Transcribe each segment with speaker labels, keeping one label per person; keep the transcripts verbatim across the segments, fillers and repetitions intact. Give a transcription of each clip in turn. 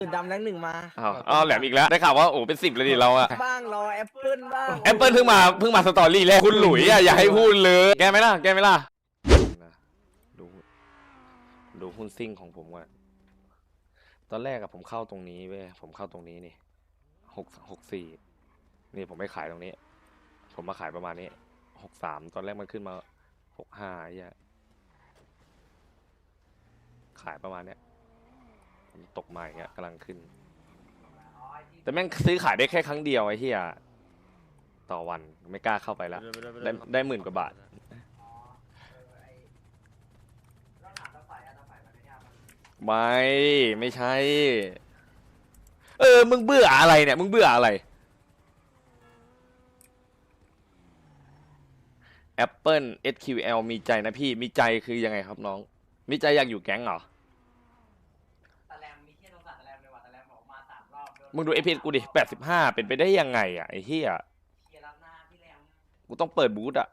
Speaker 1: สุดดำแรงหนึ่งมา
Speaker 2: อ้าวอ้าวแหลมอีกแล้วได้ข่าวว่าโอ้เป็นสิบเลยดิเราอะ
Speaker 1: บ้างรอแอปเปิลบ้าง
Speaker 2: แอปเปิลเพิ่งมาเพิ่งมาสตอรี่แรกคุณหลุยอะอย่าให้พูดเลยแกไหมล่ะแกไหมล่ะดูดูหุ้นซิ่งของผมก่อนตอนแรกอะผมเข้าตรงนี้เว้ยผมเข้าตรงนี้นี่หกหกสี่นี่ผมไม่ขายตรงนี้ผมมาขายประมาณนี้หกสามตอนแรกมันขึ้นมาหกห้าไอ้เหี้ยขายประมาณเนี้ยตกมาอย่างเงี้ยกำลังขึ้นแต่แม่งซื้อขายได้แค่ครั้งเดียวไอ้เหี้ยต่อวันไม่กล้าเข้าไปแล้วได้ได้หมื่นกว่าบาทไม่ไม่ใช่เออมึงเบื่ออะไรเนี่ยมึงเบื่ออะไร Apple เอส คิว แอล มีใจนะพี่มีใจคือยังไงครับน้องมีใจอยากอยู่แก๊งเหรอมึงดูเอพีกูดิแปดสิบห้าเป็นไปได้ยังไงอ่ะไอ้เหี้ยกูต้องเปิดบูธอ่ะ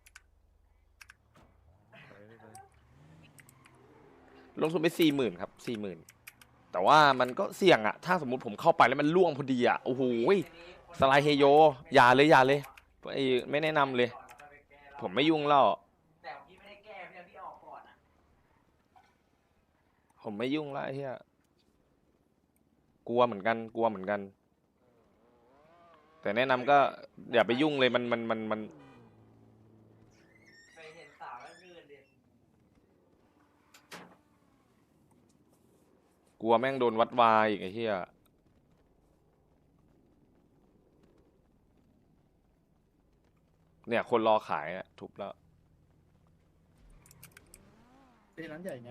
Speaker 2: ลงทุนไปสี่หมื่นครับสี่หมื่นแต่ว่ามันก็เสี่ยงอ่ะถ้าสมมติผมเข้าไปแล้วมันล่วงพอดีอ่ะโอ้โหสไลด์เฮโยอย่าเลยอย่าเลยไอ้ไม่แนะนำเลยผมไม่ยุ่งแล้วผมไม่ยุ่งแล้วไอ้เหี้ยกลัวเหมือนกันกลัวเหมือนกันแต่แนะนำก็อย่าไปยุ่งเลยมันมันมันมันกลัวแม่งโดนวัดวายอีกไอ้เหี้ยเนี่ยคนรอขายอ่ะทุบแล้ว
Speaker 3: เป็นร้านใหญ่ไง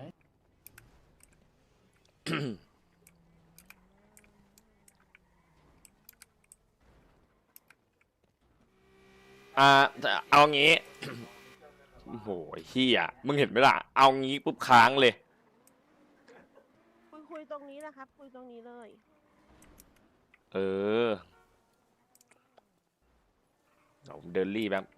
Speaker 2: อ่าเอางี้ โอ้โหเฮียมึงเห็นไหมล่ะเอางี้ปุ๊บค้างเลย
Speaker 4: คุยคุยตรงนี้นะครับคุยตรงนี้เลย
Speaker 2: เออเดี๋ยวผมเดินรีบแบบ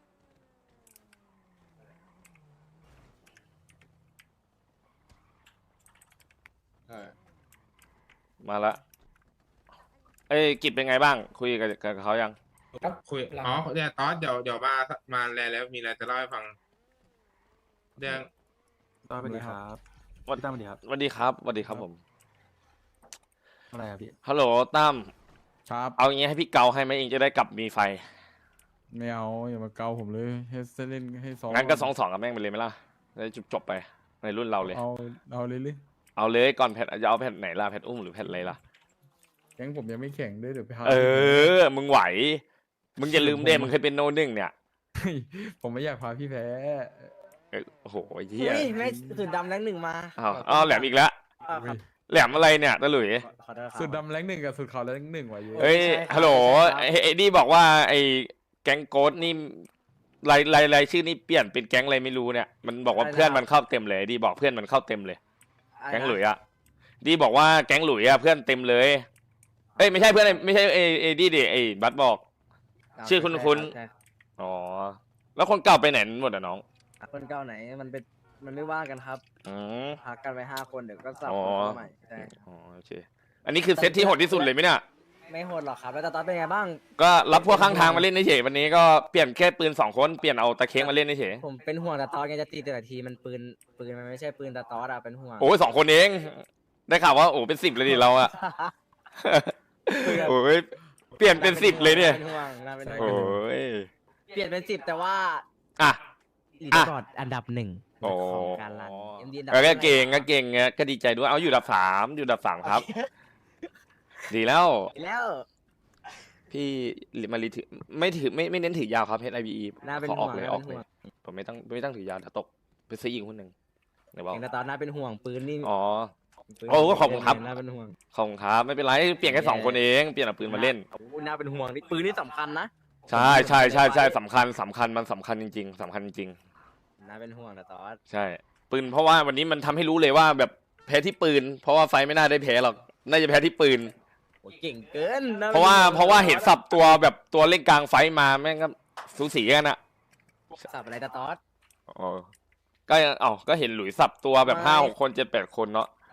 Speaker 2: มาละเอ้ยกิจเป็นไงบ้างคุยกับกับเขายัง
Speaker 5: ครับคุยอ๋อเนี่ยตอนเดี๋ยวเดี๋ยวมามาแลแล้วมีอะไรจะเล่าให้ฟังเรื่อง
Speaker 3: สวัสดีครับ
Speaker 2: วัน
Speaker 3: ตั้มสวัสดีครับ
Speaker 2: สวัสดีครับสวัสดีครับผม
Speaker 3: อะไรครับพี่
Speaker 2: ฮัลโหลตั้ม
Speaker 3: ครับ
Speaker 2: เอางี้ให้พี่เกาให้ไหมเองจะได้กลับมีไฟ
Speaker 3: ไม่เอาอย่ามาเกาผมเลยให้เล่นให้ซ้อม
Speaker 2: งั้นก็สองสองกับแม่งไปเลยไหมล่ะได้จบจบไปในรุ่นเราเลย
Speaker 3: เอาเอาเลยเลย
Speaker 2: เอาเลยก่อนแพทจะเอาแพทไหนล่ะแพทอุ้มหรือแพทอะไรล่ะ
Speaker 3: แก๊งผมยังไม่แข่งด้วยเดี๋ยวไปหา
Speaker 2: เออมึงไหวมึงอย่าลืมเด้มึงเคยเป็นโนหนึ่งเนี่ย
Speaker 3: ผมไม่อยากพาพี่แพ้
Speaker 2: โอ้โหเฮีย
Speaker 1: เฮ้ยไม่สุดดำแรงหนึ่งมา
Speaker 2: อ้าวอ้าวแหลมอีกแล้ว
Speaker 1: อ้าวครับ
Speaker 2: แหลมอะไรเนี่ยตะหลุย
Speaker 1: ขอโทษครับ
Speaker 3: สุดดำแรงหนึ่งกับสุดขาวแรงหนึ่งว่ะเยอะ
Speaker 2: เฮ้ย
Speaker 1: ใช่ครับ
Speaker 2: ฮัลโหล
Speaker 1: ใช่ครับ
Speaker 2: ไอ้ไอ้นี่บอกว่าไอ้แก๊งโกดนี่รายรายรายชื่อนี่เปลี่ยนเป็นแก๊งอะไรไม่รู้เนี่ยมันบอกว่าเพื่อนมันเข้าเต็มเลยดีบอกเพื่อนมันเข้าเต็มเลยแก๊งหลุยอะดีบอกว่าแก๊งหลุยอะเพื่อนเต็มเลยเอ้ยไม่ใช่เพื่อนไม่ใช่เอเอดีดิไอ้บัสบอก ชื่อคุณคุณ
Speaker 1: ใช่
Speaker 2: อ๋อแล้วคนเก่าไปไหนหมดอะน้อง
Speaker 1: คนเก่าไหนมันเป็นมันไม่ว่ากันครับ
Speaker 2: อืม
Speaker 1: พักกันไปห้าคนเดี๋ยวก็สับ
Speaker 2: อ๋อ
Speaker 1: คนเข้าใหม่ใช่
Speaker 2: อ๋อโอเคอันนี้คือเซตที่โหดที่สุดเลยไหมเนี่ย
Speaker 1: ไม่โหดหรอกครับแล้วตาตอนเป็นไงบ้าง
Speaker 2: ก็รับพวกข้างทางมาเล่นเฉยๆวันนี้ก็เปลี่ยนแค่ปืนสองคนเปลี่ยนเอาตะเค้งมาเล่นเฉย
Speaker 1: ผมเป็นห่วงตาตอนไงจะตีแต่ละทีมันปืนปืนมันไม่ใช่ปืนตาตอสอะเป็นห่วง
Speaker 2: ๆโอ้ยสองคนเองได้ข่าวว่าโอ้เป็นสิบเลยดิเราอะ โอ้ยเปลี่ยนเป็นสิบเลยเนี่ย
Speaker 1: เป็นห่วงน่าเป็นห่วง
Speaker 2: โอ้ย
Speaker 1: เปลี่ยนเป็นสิบแต่ว่า
Speaker 2: อ่ะ
Speaker 1: ลีดกอดอันดับหนึ่ง
Speaker 2: โอ้
Speaker 1: ของการรัน เอ็ม ดี อันดับ
Speaker 2: ก็เก่งก็เก่งไงก็ดีใจด้วยเอาอยู่อันดับสามอยู่อันดับสามครับ ดีแล้ว
Speaker 1: แล้ว
Speaker 2: พี่มารีถือไม่ถือไม่ไม่เน้นถือยาวครับเฮดไอบี
Speaker 1: น่าเป็น
Speaker 2: ขออ
Speaker 1: ห่
Speaker 2: อ
Speaker 1: ว
Speaker 2: ก
Speaker 1: ง
Speaker 2: เลย
Speaker 1: น่า
Speaker 2: ออ
Speaker 1: เป็
Speaker 2: ก
Speaker 1: น
Speaker 2: เล
Speaker 1: ห่วย ง
Speaker 2: ผมไม่ต้องไม่ต้องถือยาวถ้าตกไปซื้ออีกคนหนึ่งเดี๋ยวบอก
Speaker 1: เองตาตอนน่าเป็นห่วงปืนนี่
Speaker 2: อ๋อ
Speaker 1: ปืน
Speaker 2: โอ้ก็ขอบคุณครับ
Speaker 1: น่าเป็นห่วง
Speaker 2: ขอบคุณครับไม่เป็นไรเปลี่ยนแค่สองคนเองเปลี่ยนเอาปืนมาเล่น
Speaker 1: โอ้น่าเป็นห่วงนี่ปืนนี่สำคัญนะ
Speaker 2: ใช่ใช่ใช่ใช่สำคัญสำคัญมันสำคัญจริงๆสำคัญจริง
Speaker 1: น่าเป็นห่วงตาตอส
Speaker 2: ๆใช่ปืนเพราะว่าวันนี้มันทำให้รู้เลยว่าแบบแพ้ที่ปืน เพราะว่าไฟไม่น่าได้แพ้หรอกน่าจะแพ้ที่ปืน
Speaker 1: โอ้เก่งเกินน่
Speaker 2: เพราะว่า
Speaker 1: ป็นห่ง
Speaker 2: เพราะว่าเห็นสับตัวแบบตัวเล่นกลางไฟมาแม่งก็สูสีกันอะ
Speaker 1: สับอะไรตาตอส
Speaker 2: อ๋อก็เอ๋อก็เห็นหลุยสับตัวแบบห้าหกคนเจ็ดแปดคนเนาะ
Speaker 1: ต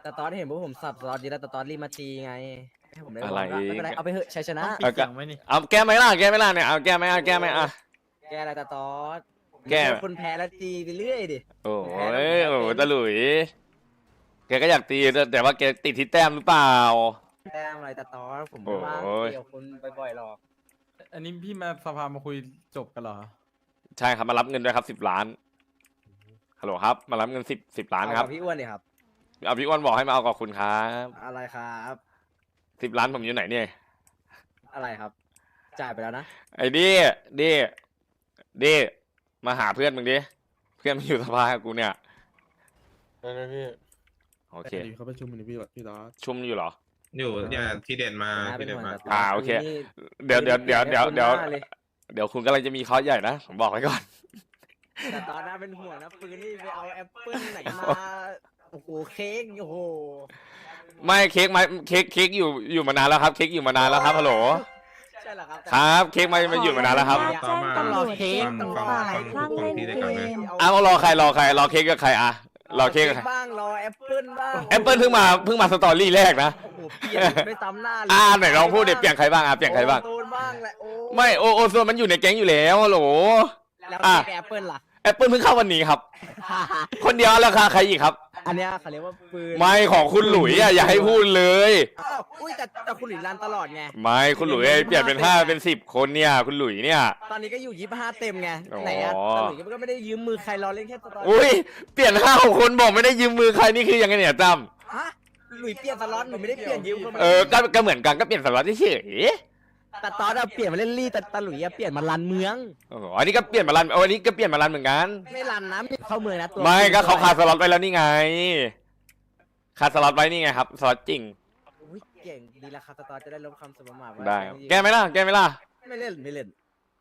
Speaker 1: แต่ตอนเห็นพวกผมสับสล็อตดีแล้วแต่ตอนรีบมาตีไงให้ผมได้
Speaker 2: อะไร
Speaker 1: วางก็ไม่เป็นไรเอาไปเถอะชัยชนะ
Speaker 3: ปิดเสียงไว้นี่
Speaker 2: เอาแก้ไหมล่ะแก้ไหมล่ะเนี่ยเอาแก้ไหมอ่ะแก้ไหมอ่ะ
Speaker 1: แกอะไรแต่ตอน
Speaker 2: แก้
Speaker 1: คนแพ้แล้วตีไปเรื่อยดิ
Speaker 2: โอ้ยโอ้ยตะหลุยแกก็อยากตีแต่แต่ว่าแกติดที่แต้มหรือเปล่า
Speaker 1: แต้มอะไรแต่ตอนผมไม่ว่าง
Speaker 2: โอ้ย
Speaker 1: เกี่ยวคนบ่อยๆหรอก
Speaker 3: อันนี้พี่มาสภามาคุยจบกันเหรอ
Speaker 2: ใช่ครับมารับเงินด้วยครับสิบล้านฮัลโหลครับมารับเงินสิบสิบล้านครับ
Speaker 1: เอกับพี่อ้วนดิครับ
Speaker 2: เอาพี่อ้วนบอกให้มาเอากับคุณครับ
Speaker 1: อะไรครับ
Speaker 2: สิบล้านผมอยู่ไหนเนี่ย
Speaker 1: อะไรครับ จ่ายไปแล้วนะ
Speaker 2: ไอ้ดิดิดิมาหาเพื่อนมึงดิเพื่อนมันอยู่สภากับกูเนี่ย
Speaker 6: ได้ไหมพี่
Speaker 2: โอเค
Speaker 6: เขาประชุมอยู่พี่พี่ตอส
Speaker 2: ชุ่มอยู่เหรอ
Speaker 5: อยู่เนี่ยที่เด่นมา
Speaker 1: นะเป็
Speaker 5: ที่
Speaker 1: น
Speaker 5: เด่น
Speaker 1: ห่วง
Speaker 5: มา
Speaker 1: แต่ตน
Speaker 2: อ่าโอเค
Speaker 1: นี่
Speaker 2: เดี๋ยวเดี๋ยวเดี๋ยวเดี๋ยวเดี๋ยว
Speaker 1: คุณหน้าเลย
Speaker 2: เดี๋ยวคุณกำลังจะมีคอร์สใหญ่นะผมบอกไว้ก่อน
Speaker 1: แต่ตอนนั้นเป็นห่วงนะปืนนี่ไปเอาแอปเปิ้ลไหนมาโอ้โหเค้กโอ้โห
Speaker 2: ไม่เค้กมาเค้กเค้กอยู่อยู่มานานแล้วครับ เค้กอยู่มานานแล้วครับฮัลโหล
Speaker 1: ใช่เหรอครับ
Speaker 2: ครับเค้กมามาอยู่มานานแล้วครับ
Speaker 5: ต่อมา
Speaker 4: ต้องรอเค้ก
Speaker 5: ฟังฟังฟังทุกคนที่ได้กันนะ
Speaker 2: อ้าวรอใครรอใครรอเค้กกับใครอ่ะรอเค้กกับใคร
Speaker 1: บ้างรอแอปเปิ้ลบ้าง
Speaker 2: แอปเปิลเพิ่งมาเพิ่งมาสตอรี่แรกนะ
Speaker 1: โอ้โหเปลี่ยนไม่ซ้ำหน้าเลย
Speaker 2: อ่าไหนลองพูดเดี๋ยวเปลี่ยนใครบ้างอ่ะเปลี่ยนใครบ้าง
Speaker 1: โดนบ้างแหละโอ้
Speaker 2: ไม่โอโอโซนมันอยู่ในแก๊งอยู่แล้วฮัลโหล
Speaker 1: แล้ว
Speaker 2: อ่ะ
Speaker 1: แอปเปิ้ลล่ะ
Speaker 2: แอปเปิลเพิ่งเข้าวันนี้ครับ คนเดียวแล้วค่ะใครอีกครับ
Speaker 1: อันเนี้ยเขาเรียกว่าปืน
Speaker 2: ไม่ของคุณหลุยอ่ะอย่าให้พูดเลย
Speaker 1: อ้าวอุ้ยแต่แต่คุณหลุยรันตลอดไง
Speaker 2: ไม่คุณหลุยเปลี่ยนเป็นห้าเป็นสิบคนเนี่ย คุณหลุยเนี่ย
Speaker 1: ตอนนี้ก็อยู่ยี่สิบห้าเต็มไง
Speaker 2: อ๋อ
Speaker 1: ไหนอะแต่หลุยก็ไม่ได้ยืมมือใครรอเล่นแค่ตอน
Speaker 2: อุ้ยเปลี่ยนห้าหกคนบอกไม่ได้ยืมมือใครนี่คือยังไงเนี่ยตั้ม
Speaker 1: ฮะหลุยเปลี่ยนสล็อตหลุยไม่ได้เปลี่ยนยืมคนมา
Speaker 2: เออก็ก็เหมือนกันก็เปลี่ยนสล็อตเฉย
Speaker 1: แต่ตอนอะเปลี่ยนมาเล่นลี่แต่ตาหลุยอะเปลี่ยนมารันเมือง
Speaker 2: ๆอ๋ออันนี้ก็เปลี่ยนมารันเอาอันนี้ก็เปลี่ยนมารันเหมือนกัน
Speaker 1: ไม่รันนะไม่เข้าเมืองนะตัว
Speaker 2: ไม่ก็เขาขาดสล็อตไปแล้วนี่ไงขาดสล็อตไว้นี่ไงครับสล็อตจริง
Speaker 1: อุ้ยเก่งดีแล้วครับแต่ตอนจะได้ลบคำสมมาทว่า
Speaker 2: ได้ครับแก้ไหมล่ะแก้ไหมล่ะ
Speaker 1: ไม่เล่นไม่เล่น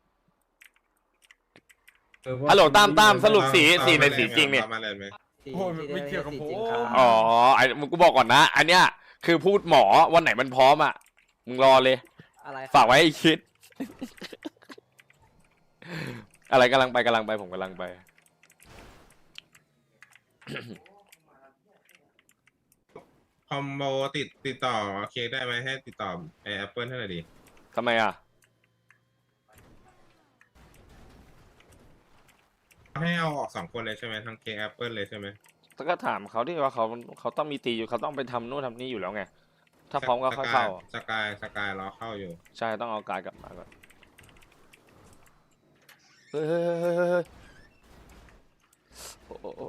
Speaker 2: ฮัลโหลตามตามสรุปสีสีในสีจริงเนี่ย
Speaker 5: อามาเลยไหม
Speaker 1: สี
Speaker 3: โอ้ย
Speaker 1: ที่
Speaker 3: ไม่เกี่ยวกับ
Speaker 1: สี
Speaker 3: ผม
Speaker 1: จริงครับ
Speaker 2: อ๋อไอ้มึงกูบอกก่อนนะ อันเนี้ยคือพูดหมอวันไหนมันพร้อมอ่ะมึงรอเลย
Speaker 1: อะไร
Speaker 2: ฝากไว้ให้คิด อะไรกำลังไปกำลังไปผมกำลังไป
Speaker 5: คอมโบติดติดต่อเค้กได้ไหมให้ติดต่อไอแอปเปิลให้หน่อยดิ
Speaker 2: ทำไมอ่ะ
Speaker 5: ให้เอาออกสองคนเลยใช่ไหมทั้งเค้กแอปเปิลเลยใช่ไหม
Speaker 2: ก็ถามเขาที่ว่าเขาเขาต้องมีตีอยู่เขาต้องไปทำนู่นทำนี่อยู่แล้วไง ถ้าพร้อมก็ค่อยเข้า
Speaker 5: สกายสกายรอเข้าอยู่
Speaker 2: ใช่ต้องเอาการดกลับมาก่อนเฮ้ยเฮ้ยเฮ้ยเฮ้ยเฮ้ยโอ้โอ้โอ้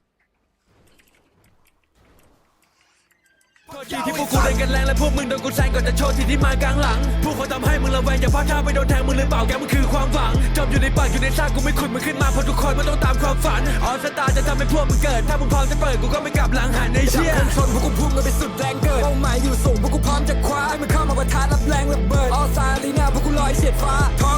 Speaker 7: ทีที่พวกกูเล่นกันแรงและพวกมึงโดนกูแซงก่อนจะโชว์ทีที่มากลางหลังพวกเขาทำให้มึงระแวงอย่าพลาดท่าไปโดนแทงมึงหรือเปล่าแกมึงคือความหวังจมอยู่ในปากอยู่ในซากกูไม่ขุดมึงขึ้นมาเพราะทุกคนมันต้องตามความฝันออสตาจะทำให้พวกมึงเกิดถ้ามึงพร้อมจะเปิดกูก็ไม่กลับหลังหันในเชี่ยชนพวกกูพุ่งกันไปสุดแรงเกิดเป้าหมายอยู่สูงพวกกูพร้อมจะคว้าให้มึงเข้ามาประทะรับแรงระเบิดออสตาลีน่าพวกกูลอยเฉียดฟ้าโท